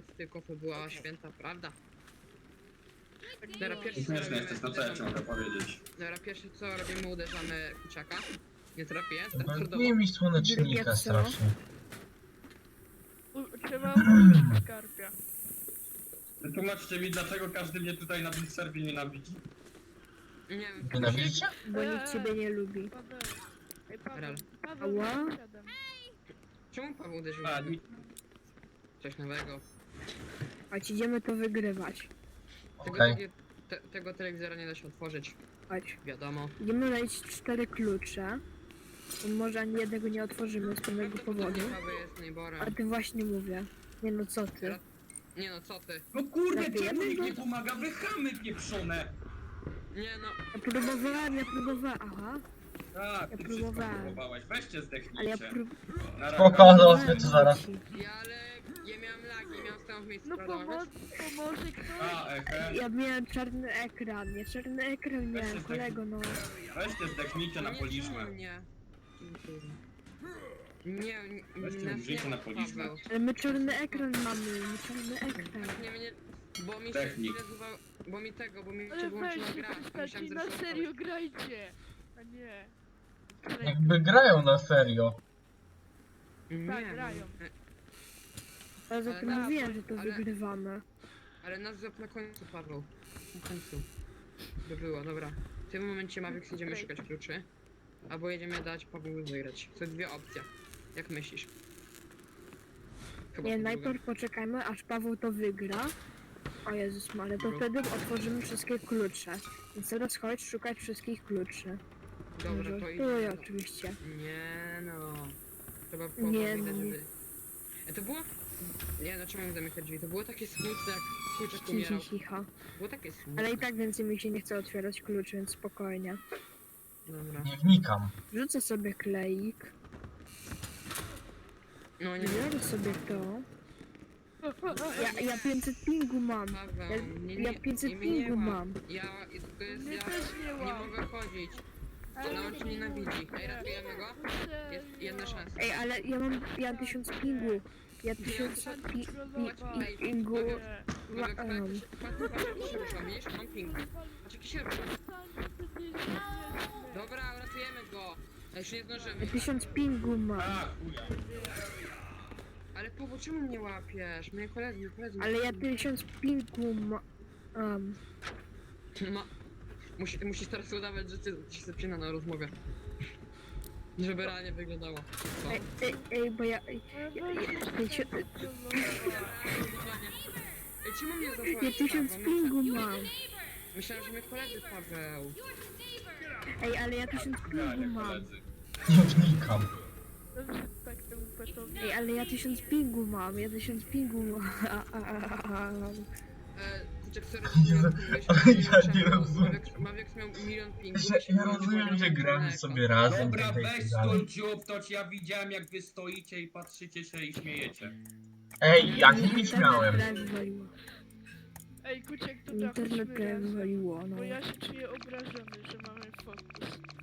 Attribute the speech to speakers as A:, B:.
A: lat, tylko to była święta prawda. Dobra, pierwszy co
B: Śmieszne
A: robimy,
B: jesteś, no co ja ci mogę powiedzieć?
A: dobra, pierwsze co robimy, uderzamy kuciaka. Nie trafię,
C: Brakuje
A: standardowo.
C: mi słonecznika
D: Drugie co?
C: strasznie.
E: Trzeba użyć skarpia.
B: Wytłumaczcie mi, dlaczego każdy mnie tutaj na tym serwie nienawidzi.
A: Nie wiem,
C: Nienawidzicie?
D: Bo nikt ciebie nie lubi.
E: Paweł. Ej,
A: Rel.
E: Paweł,
D: Ała?
E: Paweł, siadam.
A: czemu Paweł uderzył?
B: A, ni-
A: Coś nowego.
D: Chodź, idziemy to wygrywać.
C: Okej.
A: Tego telewizora nie da się otworzyć,
D: Chodź.
A: wiadomo.
D: Idziemy znaleźć 4 klucze. Bo może ani jednego nie otworzymy z pewnego powodu.
A: Paweł jest
D: A
A: najborem.
D: ty właśnie mówię. Nie no co ty?
A: Nie no, co ty?
B: No kurde,
D: Zabijemy
B: czemu nikt
D: go?
B: nie pomaga? Wy chamy pieprzone!
A: Nie no,
D: Ja próbowałem, aha.
B: Tak,
D: Ja
B: ty
D: próbowałem.
B: wszystko próbowałeś. Weźcie
D: Ale ja
B: zdechnijcie. Na razie.
C: Spoko, załatwię to zaraz.
A: ale ja miałem lagi, miałem stałą w miejscu,
E: No
A: prawda?
E: pomoże ktoś.
B: A, ehe.
D: Ja miałem czarny ekran, nie czarny ekran
B: Weź się
D: miałem, kolego no.
B: Weźcie zdechnijcie na
A: Nie,
B: policzmę.
A: czemu mnie? Nie,
B: Weźcie
A: nas
B: użyjcie
A: nie
B: na
A: ma,
B: policzmę.
A: Paweł.
D: Ale my czarny ekran mamy, my czarny ekran.
A: Nie, bo mi się
B: Technik.
A: nazywał, bo mi
E: Ale
A: się wyłączyła
E: weźcie,
A: gra.
E: przestańcie, na serio grajcie. A nie.
C: Jakby grają na serio.
A: Nie,
E: Tak, grają.
D: Ale za tym
A: Ale-
D: mówiłem, że to
A: ale-
D: wygrywamy.
A: Ale nas złap na końcu, Paweł. Na końcu. To było, dobra. W tym momencie Mavix idziemy szukać kluczy. Albo jedziemy dać Pawłowi wygrać. To dwie opcje. Jak myślisz? Chyba
D: Nie,
A: to
D: najpierw poczekajmy, aż Paweł to wygra. O Jezus Maria, to
A: Dobra.
D: wtedy otworzymy wszystkie klucze. Więc teraz chodź szukać wszystkich kluczy.
A: druga. Dobra, to
D: Żartuję
A: idzie.
D: oczywiście.
A: Nie no. Trzeba
D: Nie,
A: widać,
D: nie.
A: żeby... To było... Nie no, czemu zamykać drzwi? To było takie smutne, jak kurczak
D: Cicho,
A: umierał.
D: cicho.
A: Było takie smutne.
D: Ale i tak więcej mi się nie chce otwierać kluczy, więc spokojnie.
A: Dobra.
C: Nie wnikam.
D: Rzucę sobie kleik.
A: No nie,
D: Biorę sobie to. Ja 500 pingu mam.
A: Paweł,
D: Ja 500
A: mnie nie
D: pingu
A: ma.
D: mam.
A: To jest
E: Mnie
A: ja.
E: też nie
A: Nie
E: łap.
A: mogę chodzić.
E: Ale
A: No on cię nienawidzi. Ej, ratujemy go? Jest jedna szansa.
D: Ej, ale ja 1000 pingu. Ja 1000 pingu.
A: Paweł,
D: Mam.
A: patrz jak się rusza, widzisz? Mam ping. Patrz jak się rusza. Dobra, uratujemy go. Ale już nie zdążymy.
D: Ja 1000 pingu mam.
B: A, chuja.
A: Ale Paweł, czemu mnie łapiesz? Moje koledzy.
D: Ale ja 1000 pingu mam.
A: No. Musisz teraz udawać, że ci się zaczyna na rozmowie. Żeby realnie wyglądało. Co?
D: Ej, bo ja...
A: Ej, czemu mnie
D: Ja
A: zasłaniasz,
D: 1000
A: Paweł?
D: pingu mam.
A: Myślałem, że mnie koledzy, Paweł.
D: Ej, ale ja 1000 pingu
B: Granie,
D: mam.
B: koledzy.
C: Nie wnikam.
E: Dobrze, tak temu petowi.
D: Ej, ale ja 1000 pingu mam. Ja 1000 pingu mam.
A: Kurczę, sorry,
C: Ja nie rozumiem.
A: Mavix miał milion pingów.
C: Że ja rozumiem, że gramy sobie razem.
B: Dobra,
C: tak
B: weź
C: dalej.
B: stój dziób, to ja widziałem jak wy stoicie i patrzycie się i śmiejecie.
C: Ej, ja nic miałem.
E: Ej, Kuciek, to
D: Internet
E: trafiliśmy razem.
D: wywaliło, no.
E: Bo ja się czuję obrażony, że mamy fokus.